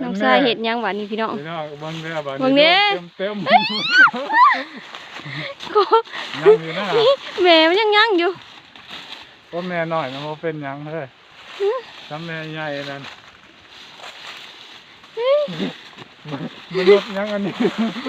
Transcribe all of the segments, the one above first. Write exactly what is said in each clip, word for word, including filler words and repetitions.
องชายเห็ดยังหวานนี่พี่น้องพี่น้องเบิ่งเด้อบัดเบิ่งเด้เต็มเต็มก็ยังอยู่นะแม่มันยังยังอยู่ก็แม่น้อยมันบ่เป็นหยังเฮ้ยทำแม่ใหญ่นั่นมันลดยังอันนี้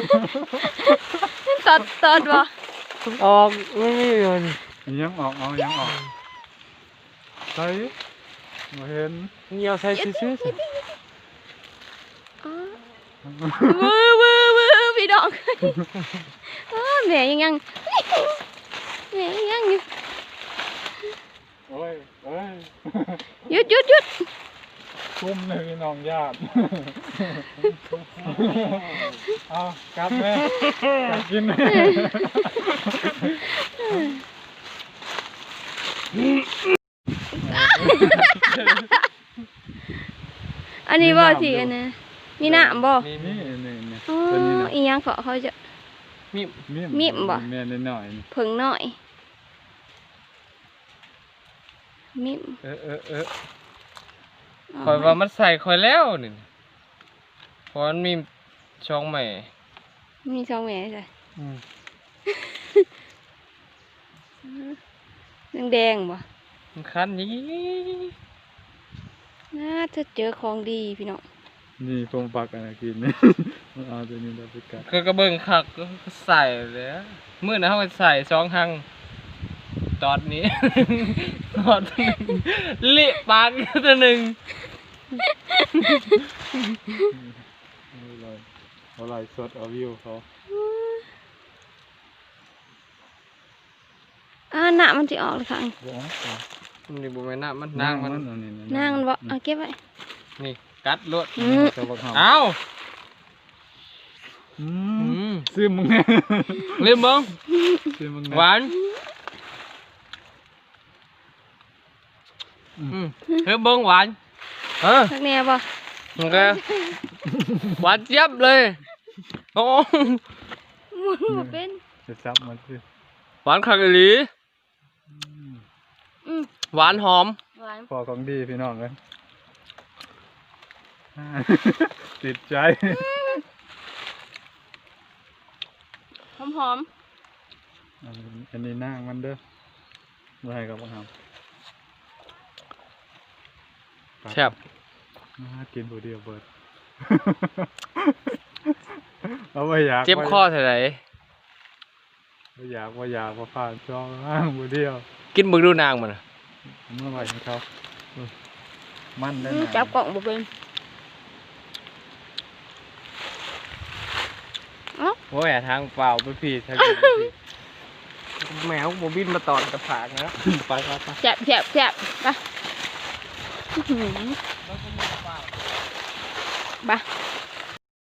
ตอดตอดบ่ออกไม่มีเงินยังออกเอายังออกใส่บ่เห็นเงียวใส่ซื่ออ๋อวื้อวื้อวื้อพี่น้องอ๋อแม่ยังยังแม่ยังยังอยู่โอ้ยโอ้ยหยุดหยุดหยุดคุ้มเลยพี่น้องญาติเอากลับแม่กลับกินแม่อันนี้บ่สิอันน่ะมีน้ำบ่ๆมีนี่นี่นี่อ๋อตัวนี้นะอีหยังเขาเขาจะมีมีมบ่แม่นหน่อยๆนี่ผึ่งหน่อยมิมเออเออเออคอยว่ามันใส่คอยแล้วนี่เพราะมันมีช่องใหม่มีสองแม่ใช่อืมแดงๆบ่มันคันนี้น่าจะเจอของดีพี่น้องนี่ปงปักอะไรกินนี่ เอาตัวนี้เราไปกัดก็กระเบื้องคักก็ใส่เลยมื้อนั้นเฮาก็ใส่สองหังตอดนี้ ตอดหนึงเละปากตัวหนึงเอาเลยเอาไลฟ์สดเอาวิวเขาอ่าหน้ามันสิออกเลยค่ะบอกเอานี่บ่แม่นน้ำมันนางมันเอานี่นางมันบ่เอาเก็บไว้นี่กัดรวดอืมจะบอกเขาเอ้าอือืมมซื้อมึงแน่ลืมเบิ่งซื้อมึงแน่หวานอืมเฮ้ยเบิ่งหวานเออทักแน่บ่โอเคหวานเจี๊ยบเลยโอ้หมุนบ่เป็นจะซับมันสิหวานคักอีหลีอืมหวานหอมหวานพอของดีพี่น้องเลยอ่า ติดใจหอมอันนี้อันนี้นางมันเด้อมาให้กับบังคับแซ่บมากินผู้เดียวเบิด เอาไปอยากเจ็บคอเท่าไหร่ว่าอยากว่าอยากว่าผ่านช่องอ้างผู้เดียวกินมึงดูนางมันน่ะเมื่อไหร่เขามันได้อืมนะจับกล่องบ่เป็นโอ้ยทางเปล่าไปพี่ทางนี้ไปพี่แมวบ่บินมาตอดกระผากนะไปไปไปแซ่บแซ่บแซ่บไปอื้อหือ บ่